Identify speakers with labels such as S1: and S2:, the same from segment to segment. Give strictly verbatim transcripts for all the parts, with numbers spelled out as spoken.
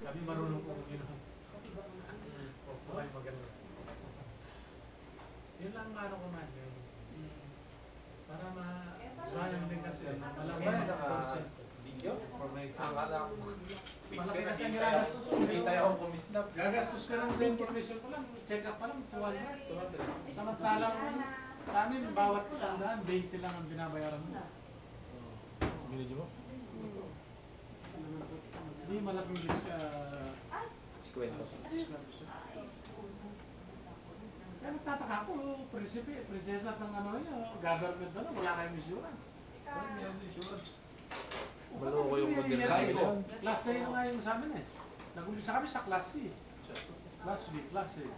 S1: Kami marunong po uminom. O po ay maganda. Yun lang ano ko man. Para ma-sayang din kasi. Malaman na
S2: video?
S1: information.
S2: Akala ko.
S1: Malaki kasi ang gagastos ko.
S2: Hindi tayo akong kumisnap.
S1: Gagastos ka lang sa information ko lang. Check up pa lang, two hundred. Samantalang sa amin, bawat isang daan, twenty lang ang binabayaran mo.
S2: Binidyo mo?
S1: Hindi malaking risk ka.
S2: Skwento.
S1: Kaya nagtataka ako, prinsipe, prinsesa ng ano yun, government na lang, wala kayong insurance.
S2: Parang meron insurance. Maloko yung model sa akin yun.
S1: Class A nga yung sa amin eh. Nag-umpisa kami sa class C. Class B, class A.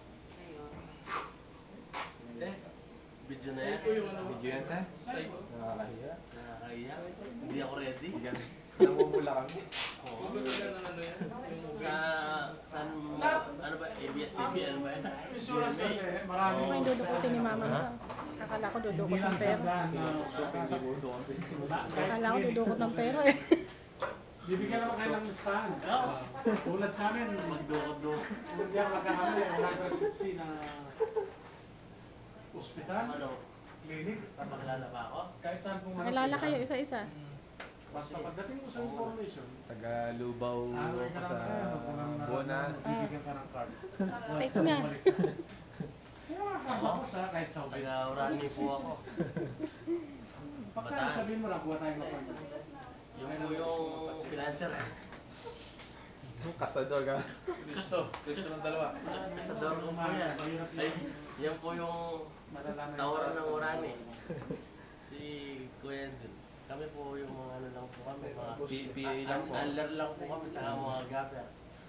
S3: Hindi. Video na yan.
S2: Video yan tayo? Nakakahiya.
S3: Nakakahiya. Hindi ako ready.
S2: Namumula kami.
S3: Oo. Sa... Saan... Ano ba? A B S C B? Ano ba yan?
S1: Insurance kasi, marami.
S4: May dudukutin ni mama mo. Akala ko dudukot
S1: Hindi lang
S4: ng
S1: sa
S4: pera.
S1: daan na
S4: Akala ko dudukot ng pera eh.
S1: bibigyan naman kayo ng listahan. Tulad sa amin,
S3: Magdukot-dukot.
S1: hindi ako nagkakamali, one hundred fifty na ospital,
S3: Ano?
S1: clinic,
S3: Makalala pa ako?
S1: kahit saan pong
S4: Kilala kayo isa-isa.
S1: Basta pagdating mo sa information,
S2: Taga Lubaw
S1: ano ka
S2: sa
S1: ng
S2: Bona.
S1: bibigyan ka ng card.
S4: Fake nga.
S1: Kaya makakaba ko sa kahit sa Ubay.
S3: Taga-Urani po ako.
S1: Pagka sabihin mo na, buha tayo ng card.
S3: Yung po yung financer.
S2: Kasador ka.
S5: Kristo. Kristo ng dalawa.
S3: Sa door ko po yan. Ay, yan po yung tawaran ng Urani. Si Kuya din. Kami po yung mga ano lang po kami, mga
S2: P A lang po.
S3: Unler lang po kami, tsaka mga gapper.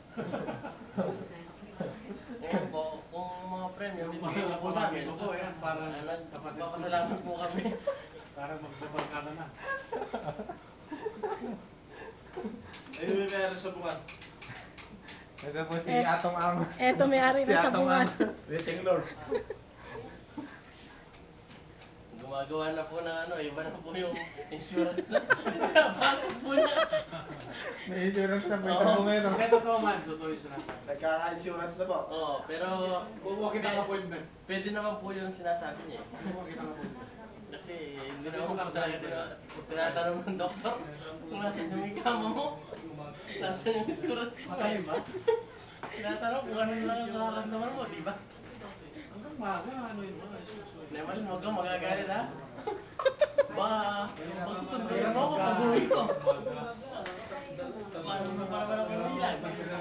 S3: Ngayon po, kung mga premium,
S1: Yung
S3: bibigyan niyo po sa amin.
S1: ito po yan, para
S3: Ah, Nagpapasalamat po kami.
S1: para magbabangkala na.
S5: Ayun may meron sa bunga.
S2: Ito po si
S4: Eh,
S2: Atong Ang.
S4: Eto may-ari
S2: Si
S4: ng
S2: Atong
S4: sabungan.
S2: Ang. Waiting Lord.
S3: Gumagawa na po ng ano, iba na po yung insurance na. Napasok po niya.
S2: May insurance na may
S3: Oo.
S2: tabo ngayon.
S1: Kaya totoo man, totoo yung sinasabi.
S5: Nagkaka-insurance na po.
S3: Oo, pero
S1: Bubuha kita ng appointment.
S3: pwede naman po yung sinasabi niya. eh.
S1: Bubuha kita ng appointment.
S3: Kasi hindi na ako po talaga tina- tinatanong ng doktor kung nasan yung ikama mo. Nasaan yung insurance mo.
S1: Matay ba?
S3: Tinatanong kung ano lang ang nararamdaman mo, di ba?
S1: Hanggang maga, ano yun mga
S3: Neman, huwag kang magagalit ha. Baka, kung susunduin mo ako, pag-uwi ko. Paano mo para walang kaibigan?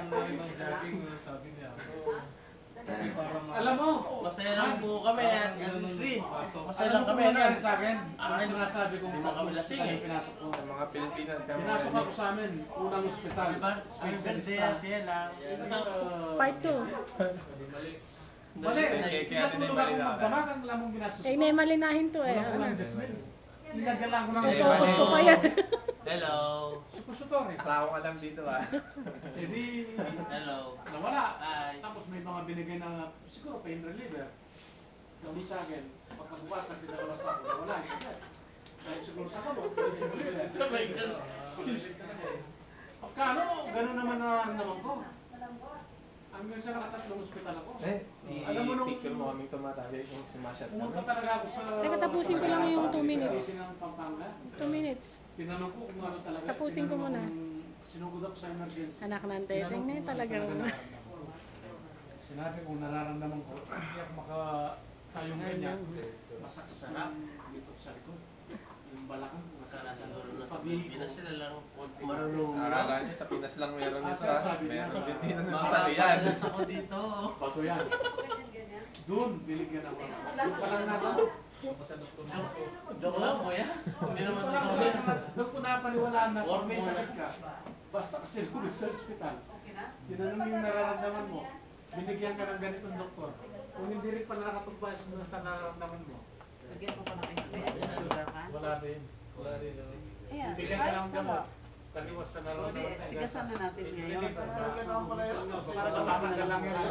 S1: Alam mo,
S3: Masaya lang po kami at at free. Masaya
S1: alam
S3: lang
S1: mo
S3: kami.
S1: kung nangyari sa akin? Ang
S3: Akin,
S1: sinasabi kong
S3: hindi mo kami
S1: tatlong
S3: lasing
S1: ospital
S3: eh.
S1: yung pinasok ko.
S2: Sa mga Pilipinas kami.
S1: Pinasok ako sa amin, unang ospital. Specialista.
S3: lang.
S4: Part two.
S1: Mali,
S2: Kaya- kaya
S1: pinatulog
S2: tinimali
S1: ako
S2: na.
S1: magdamag, ang lamong ginastos
S4: Eh,
S1: ko.
S4: may malinahin to eh.
S1: Wala ko
S4: Ano?
S1: lang Jasmine. Nilagyan lang ko ng
S2: Eh,
S4: Focus ko
S2: mali.
S4: pa yan.
S3: Hello.
S1: supository.
S2: Akala ko alam dito ah.
S1: Eh di,
S3: Hello.
S1: nawala.
S3: Hi.
S1: Tapos may mga binigay na, siguro pain reliever. Gamit sa akin, pagkabukas ang pinalabas na ako, nawala. Dahil siguro sa kamot, pain reliever.
S3: Sabay ganun.
S1: Pagkano, gano'n naman nararamdaman ko. Ang minsan nakatatlong ospital ako.
S2: Eh,
S1: Alam mo nung-
S2: i-picture mo kaming tumatali yung sumasyat
S1: Pumunta
S2: namin.
S1: talaga ako sa...
S4: Teka, tapusin ko lang yung two
S1: sa
S4: minutes.
S1: city ng Pampanga.
S4: Two minutes.
S1: Tinanong ko kung ano talaga.
S4: Tapusin ko
S1: Tinanong
S4: muna.
S1: kung Sinugod ako sa emergency.
S4: Anak ng
S1: Tinanong
S4: teteng na
S1: ko
S4: eh,
S1: kung
S4: talagang.
S1: ano nararamdaman ko. Sinabi kong nararamdaman ko, hindi ako makatayong ganyan. Masakit
S3: Sarap.
S1: dito sa likod. Yung balakang.
S3: Sana siguro na sa
S1: Pag-ihi
S3: Pilipinas
S1: ko.
S3: sila lang marunong.
S2: Akala niya sa Pinas lang meron yun sa...
S1: Ah, sabi niya.
S2: Meron sa Pilipinas ng
S3: Baka
S2: sariyan.
S3: padalas ako dito.
S1: Bato yan. Doon, biligyan ako. Doon pa lang natin.
S3: Joke lang kuya. Hindi naman
S1: Doon
S3: sa
S1: pa lang
S3: tawin.
S1: natin. Doon ko napaniwalaan na
S3: Or
S1: kung may sakit ka. Basta kasi lumag sa ospital. Tinanong yung nararamdaman mo. Binigyan ka ng ganitong doktor. Kung hindi rin pala nakatugpas mo sa nararamdaman mo.
S6: Lagyan mo pa ng S P S sa sugar ka.
S1: Wala rin. Wala rin.
S6: Ayan,
S1: Bigyan ka ng gamot. Taliwas sa
S6: O di,
S1: nararamdaman.
S6: tigasan na natin ngayon.
S1: Para sa tatanggal lang yung sakit.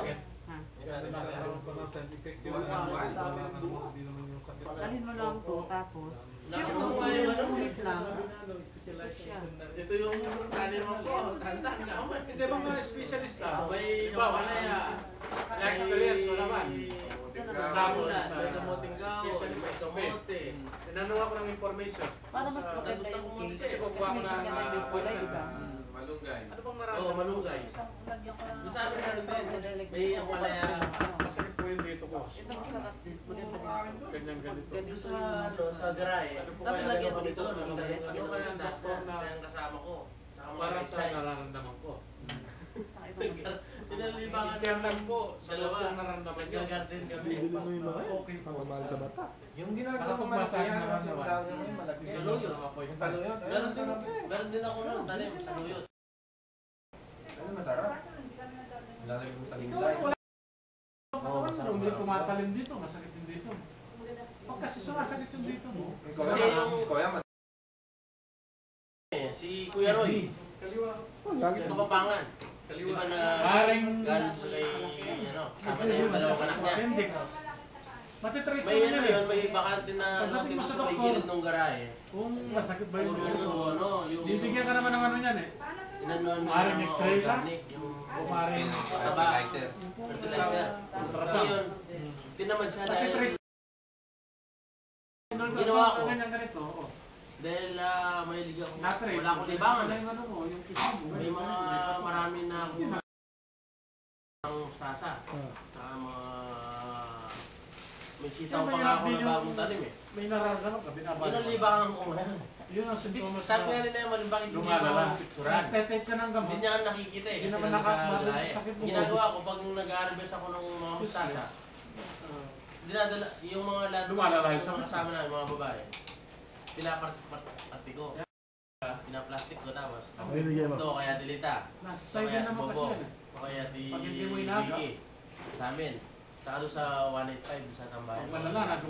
S6: Ha?
S2: Nagkakaroon pa ng side effect yun.
S5: Wala,
S2: Wala,
S5: ang dami
S2: ano,
S5: ng bunga.
S2: hindi naman yung sakit.
S6: Dalhin mo lang to, tapos. Pero
S3: Nakita
S6: kung
S3: mo
S6: gusto
S3: nga
S6: mo
S3: yung
S6: yung
S3: ano,
S6: ulit lang,
S3: specialization na.
S5: Ito yung taniman ko. Tantan ka mo.
S1: Hindi ba mga specialist ah?
S3: May
S1: Iba, wala yan. Na-experience mo naman.
S3: Kamulan,
S1: Sa-
S3: may kamuting gawon,
S1: specialist
S3: may
S1: sa
S3: kamote.
S1: Tinanong ako ng information.
S6: para mas
S1: Sa-
S6: maganda
S3: gusto
S6: yung
S3: ko
S6: case.
S1: kasi kukuha ko
S6: Kasi
S1: ng,
S6: may maganda yung
S1: ah,
S6: kulay, diba?
S2: Malunggay.
S1: Ano bang
S3: Oo,
S1: nararamdaman?
S3: malunggay.
S6: Lagyan ko lang.
S3: Sa amin ano din, may ang palaya.
S1: Masakit po yung dito ko.
S6: Ito masarap din. Maganda din.
S1: Ganyan ganito.
S6: Ganito
S3: Yung sa, ano, sa garay.
S1: Ano po
S6: Tapos
S1: kaya
S6: lagyan
S1: ganito?
S6: dito sa
S3: Ano
S6: mga
S3: kaya
S1: Ano kaya ang doktor na
S3: siya ang kasama ko. Saka mga
S1: para sa
S3: pechay.
S1: nararamdaman ko?
S6: Saka ito naman.
S3: Pinalibangan
S1: Kaya lang po, sa
S3: Dalawa.
S1: doktor nararamdaman niyo.
S3: Nag-garden kami.
S2: Bibili mo yung mga
S1: Okay po.
S2: pamamahal sa bata.
S7: Yung ginagawa
S1: Para
S7: ko
S1: pag
S7: malaki
S1: masahe
S7: yan,
S1: na
S7: yung
S1: naman.
S7: dahon mo yung malaki.
S3: Sa luyot.
S7: Yung sa luyot. ayun,
S3: Meron din,
S7: masarap eh.
S3: meron din ako nun, tanim sa luyot.
S7: Ayun, masarap. Lalagay mo sa
S1: Ikaw,
S7: gulay.
S1: wala. Katawan mo, hindi tumatalim dito, masakit yung dito. Pag kasi sumasakit yung dito mo,
S7: Ikaw
S3: Kasi
S7: yan,
S3: yung-
S7: ikaw yan,
S3: Eh, si Kuya Roy,
S1: kaliwa.
S2: Lagi.
S3: yung kapapangan. Di
S1: Kaliwa.
S3: ba na
S1: Haring
S3: galing sa kay, ano, kasama na yung dalawang anak niya.
S1: appendix. Matitrace
S3: May
S1: naman
S3: ano
S1: yun
S3: yun,
S1: eh.
S3: may bakante na
S1: Pagdating
S3: lote
S1: mo
S3: mo
S1: sa
S3: sa may
S1: doktor,
S3: gilid ng garahe.
S1: Kung masakit ba yung
S3: Puro
S1: dito?
S3: ano, yung...
S1: Bibigyan ka naman ng ano yan eh.
S3: Inanuan mo
S1: Maring
S3: ng mga
S1: X-ray ka?
S3: organic, yung
S1: Kumarin.
S3: taba,
S7: fertilizer.
S3: fertilizer. Kasi
S1: Ultrasound.
S3: yun, tinamad siya dahil,
S1: Matitrace.
S3: Ginawa ko.
S1: Ganyan ganito. oo.
S3: dahil uh, may liga ko,
S1: Na-trace.
S3: wala akong libangan
S1: Ano
S3: eh.
S1: yung ano mo, yung tissue mo.
S3: May mga marami na akong
S1: Yun.
S3: ng stasa.
S2: Ah.
S3: Saka mga... May sitaw
S1: Yung
S3: pa nga ako
S1: mahirap
S3: na
S1: din
S3: bagong tanim eh.
S1: May nararamdaman ka, binabalik.
S3: Yun ang libangan ko ngayon.
S1: Yun ang sintomas
S3: Sabi nga
S1: na
S3: nila yung malimbang hindi
S1: lumalala.
S3: mo picturean.
S1: Nagtetake ka ng gamot.
S3: Hindi niya nakikita eh.
S1: Hindi
S3: Kasi
S1: naman
S3: nandun sa
S1: nakakabalo sa
S3: lahi.
S1: sakit mo.
S3: Ginagawa ko pag nag-harvest ako ng mga mustasa,
S1: Ah,
S3: dinadala, yung mga lahat,
S1: Lumalala yung
S3: yung
S1: sakit.
S3: mga kasama na, yung mga babae, pinaparte ko. Pinaplastic ko tapos.
S2: Ay, bigyan mo.
S3: Ito, kaya dilita.
S1: Nasa side din naman kasi yan eh.
S3: O kaya di...
S1: Pag hindi mo inaga.
S3: Vicky. Sa amin. Saka doon sa one eighty-five sa Tambayan.
S1: Pag malala,